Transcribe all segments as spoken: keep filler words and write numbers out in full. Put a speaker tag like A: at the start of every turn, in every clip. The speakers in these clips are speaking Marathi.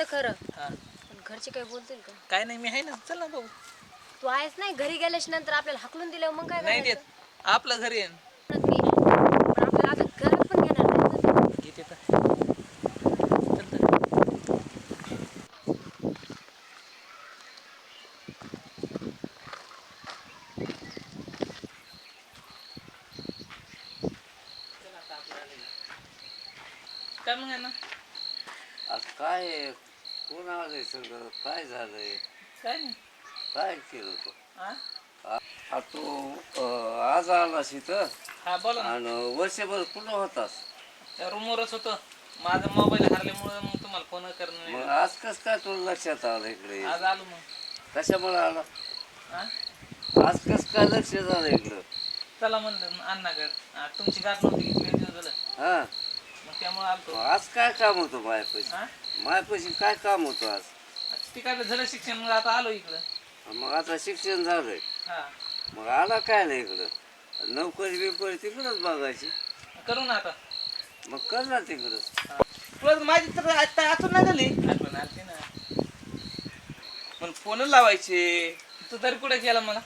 A: खरं
B: हा
A: पण घरचे काही बोलतील का?
B: काय नाही, मी आहे ना, चल ना भाऊ.
A: तू आहेस नाही घरी गेल्याच्या नंतर आपल्याला हाकलून दिल्यावर मग काय
B: नाही देत,
A: करायचं?
B: आपलं घरी आहे.
A: म्हणत मी पण आपल्याला आता घरात पण घेणार नाही ना ते.
B: घेते तर चल तर. काय मग आहे ना,
C: आज काय आहे? कोण आलंय सगळं? काय झालंय?
B: काय नाही.
C: काय केलं तू?
B: हा
C: आ तू अं, आज आलास इथं
B: हा बोला ना.
C: आणि वर्षभर कुठं होतास?
B: त्या रूमवरच होतं, माझा मोबाईल हरल्यामुळं मग तुम्हाला फोन करणं नाही
C: मग
B: झालं.
C: आज कसं काय तुला लक्षात आलं इकडे?
B: आज आलो मग.
C: कशामुळे आला?
B: हा
C: आज कसं काय लक्ष झालं इकडं?
B: चला म्हणलं अण्णाकडे, तुमची गाठ नव्हती घेतली दिवस झालं,
C: हा
B: मग त्यामुळे आलतो.
C: मग आज काय काम होतं मायापाशी?
B: हा
C: मायापाशी काय काम होतं आज?
B: ती काय झालं शिक्षण, मग आता आलो इकडं.
C: मग आता शिक्षण झालंय,
B: हा
C: मग आला काय नाही इकडं? नोकरी बिकरी तिकडंच बघायची.
B: करू ना आता.
C: मग कर ना तिकडंच.
D: तुला माझी तर आता अजून नाही झाली
B: आठवण आलती ना.
D: पण फोन लावायचे.
B: तू तरी कुठे केला मला?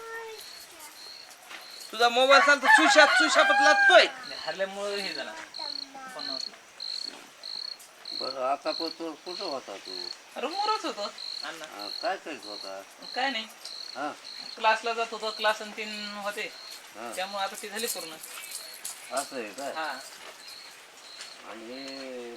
D: तुझा मोबाईल चालतो सुशाप सुशापत लागतोय.
B: हरल्यामुळं हे झालं, फोन नव्हतं.
C: बरं आता पण तू कुठं होता तू?
B: रूमवरच होतो अण्णा.
C: हा, काय करीत होता?
B: काय नाही,
C: हा
B: क्लासला जात होतो, क्लास आणि तीन होते,
C: हा
B: त्यामुळे आता ती झाली पूर्ण.
C: असं आहे काय?
B: हा
C: आणि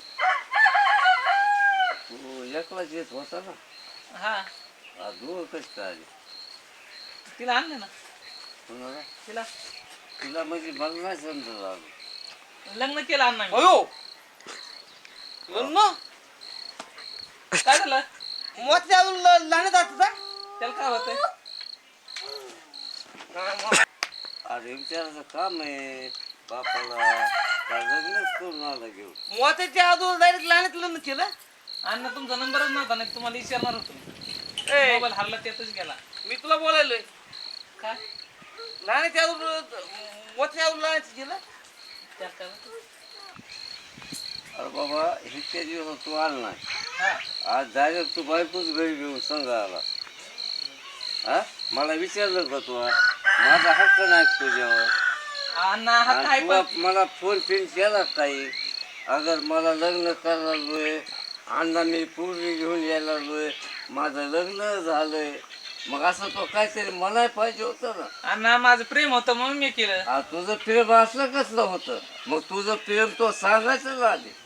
C: तू एकलाच येत होता ना?
B: हा
C: हा, दूर कशी काय आली?
B: तिला आणलं ना.
C: कुणाला?
B: तिला
C: तुला म्हणजे मला नाही समजत आलं.
B: लग्न केलं अण्णा मी.
D: अयो लग्न
B: काय झालं?
D: मोठ्या लहान आता
B: त्याला काय होतंय?
C: अरे विचारायचं काम आहे बापाला, का लग्नच करून आला घेऊन?
D: मोठ्याच्या अजून डायरेक्ट लहानात लग्न केलं.
B: अण्णा तुमचा नंबरच नव्हता, नाही तुम्हाला विचारणार होतो.
D: ए,
B: मोबाईल हरला त्यातच गेला.
D: मी तुला बोलायलोय
B: काय
D: लहानाच्या अजून मोठ्या अजून लहानाचं केलं.
B: त्यात काय होतं?
C: अरे बाबा इतक्या दिवस तू आला नाही,
B: हा
C: आज डायरेक्ट तू बायकोच घरी घेऊन संघ आला. हा मला विचारलं का तू? माझा हक्क नाही का तुझ्यावर?
B: अण्णा हा
C: आणि
B: काय
C: तुला
B: पण
C: मला फोन फिन केला काही? अगर मला लग्न करायला लागलोय, अण्णा मी पूर्वी घेऊन यायला लागलोय, माझं लग्न झालंय, मग असं तो काहीतरी म्हणाय पाहिजे होतं ना.
B: अण्णा माझं प्रेम होतं म्हणून मी केलं.
C: आ, तुझं प्रेम असलं कसलं होतं? मग तुझं प्रेम तो सांगायचं ना आधी.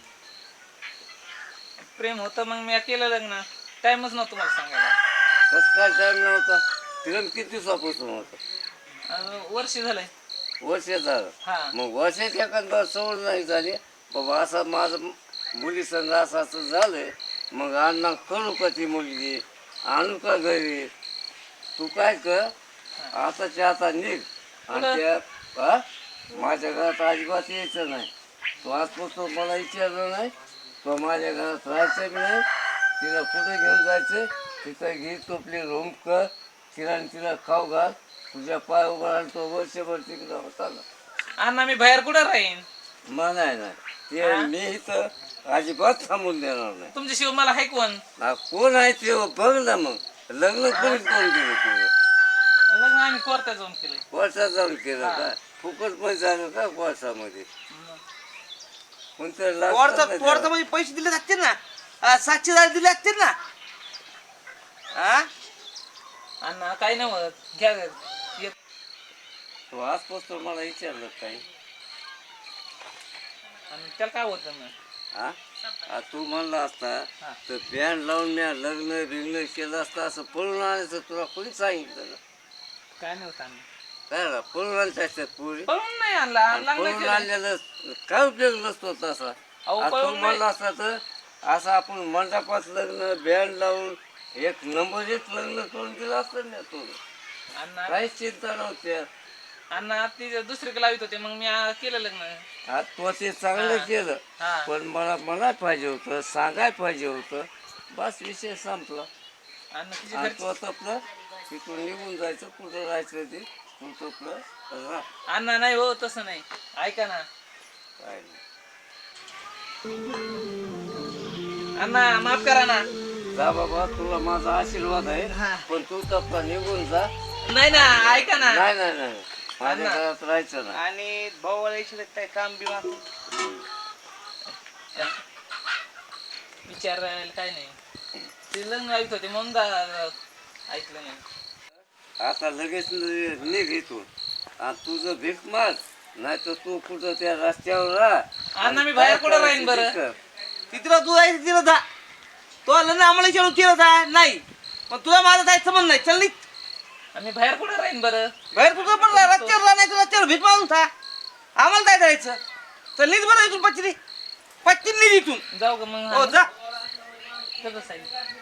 B: प्रेम होतं मग मी केलं लग्न. टाइमच नव्हतं मला सांगायला.
C: कसं काय टाईम नव्हता? प्रेम किती दिवसापासून होतं?
B: अं, वर्ष झालंय.
C: वर्ष झालं.
B: हा
C: मग वर्षात एखादा सवड नाही झाली बाबा असं माझं मुली संग असं असं झालंय, मग अण्णा करू का ती मुलगी, आणू का घरी? तू काय कर, आताच्या आता निघ आणि त्या हा माझ्या घरात अजिबात यायचं नाही. तू आजपासून मला विचारलं नाही, तो माझ्या घरात राहायचं बी नाही. तिला कुठे घेऊन जायचं तिथं घे, तो आपली रूम कर, तिला आणि तिला खाऊ घाल, तुझ्या पाय उभा राहिला तो वर्षभर तिकडं होता ना.
B: अण्णा मी बाहेर कुठं राहीन?
C: म्हणाय नाही ते मी इथं अजिबात थांबून देणार नाही.
B: तुमच्याशिवाय मला हाय कोण?
C: हा, कोण आहे ते बघ ना. मग लग्न कोणी करून दिलं तुझं?
B: लग्न आम्ही कोर्टात जाऊन केलंय.
C: कोर्टात जाऊन केलं का? फुकट पण झालं का कोर्टामध्ये? कोणतं लागतं
D: कोर्टा
C: ना
D: कोर्टा
C: त्याला?
D: म्हणजे पैसे दिले असतील ना, आ, साक्षीदार दिले असतील ना. हा
B: अण्णा काय नाही होत, घ्या येत.
C: तू आजपासून मला विचारलं काही?
B: आणि त्याला काय होतं मग?
C: हा आ, तू म्हणला असता
B: हा.
C: तर बँड लावून मी लग्न बिग्न केलं असतं, असं पळून आणायचं तुला कोणी सांगितलं ना?
B: काय नाही होत अण्णा.
C: काय ना पळून आणता असतात पोरी?
B: पळून नाही आणला,
C: आणि
B: लग्न
C: पळून
B: केलं.
C: आणलेलं काय उपयोग नसतो तसा.
B: अहो,
C: आज तू
B: पळून
C: म्हणला असता तर असं आपण मंडपात लग्न बँड लावून एक नंबर एक लग्न करून दिलं असतं ना. तू
B: अण्णा
C: काहीच चिंता नव्हती.
B: अण्णा ती दुसरीकडे लावित होते, मग मी आ, केलं लग्न.
C: आज तू ते चांगलं
B: हा.
C: केलं,
B: हा
C: पण मला म्हणाय पाहिजे होतं, सांगाय पाहिजे होतं, बस विषय संपला.
B: अण्णा तिची
C: आणि
B: घरची.
C: तो आपलं तिथून निघून जायचं, कुठं राहायचं ते तू आपलं राह.
B: अण्णा नाही हो, तसं नाही. ऐका ना
C: काय नाही.
B: अण्णा माफ करा ना.
C: जा बाबा, तुला माझा आशीर्वाद आहे.
D: हा.
C: पण तू तप्पा निघून जा.
B: नाही ना, ऐका ना.
C: नाही नाही नाही माझ्या
B: अण्णा.
C: घरात राहायचं ना.
D: आणि भाऊ काय काम बी मागतो.
B: विचारायला काय नाही. ते लग्न ऐकत होते म्हणून दा- ऐकलं नाही.
C: आता लगेच न- निघ इथून आणि तुझं भीक माग, नाही तर तू कुठं त्या रस्त्यावर राह.
B: अण्णा मी बाहेर कुठं राहीन बरं?
D: तिथं तू जायचं तिथं जा. तो आलं ना आम्हाला विचारून केलं जा नाही. पण तुला माझं जायचं संबंध नाही. चल निघ.
B: आम्ही बाहेर कुठं राहीन बरं?
D: बाहेर कुठं पण रस्त्यावर नाही तर रस्त्यावर भीक मागून था. आम्हाला काय जायचं? चल निघ बरं इथून पच्चिनी पच्चिनी निघ इथून.
B: जाऊ का मग?
D: हो जा.
B: कसं साहेब?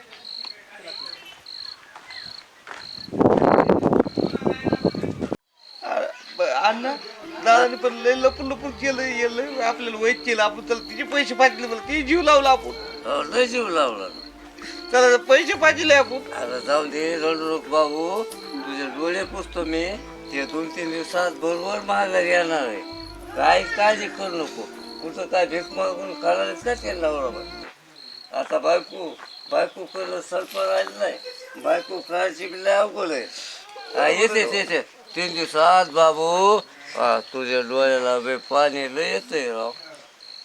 D: अण्णा दादाने पण लय लपून लपून केलं येलं आपल्याला वाईट केलं. आपण त्याला तिचे पैसे पाहिजे मला ते जीव लावला आपण.
C: हो, लय जीव लावला.
D: त्याला पैसे पाहिजे आपण.
C: आता जाऊन दे, रडू नको बाबू. तुझे डोळे पुसतो मी. ते दोन तीन दिवसात बरोबर महागारी येणार आहे. काही काळजी करू नको. कुठं काय भीक मागून करायलाच का त्याला बरोबर. आता बायको बायको करणं सरपण राहिलं नाही. बायको करायची बी लय अवघड आहे. हा, येते येते तीन दिवसात बाबू. हा, तुझ्या डोळ्याला बे पाणी लय येतंय राव.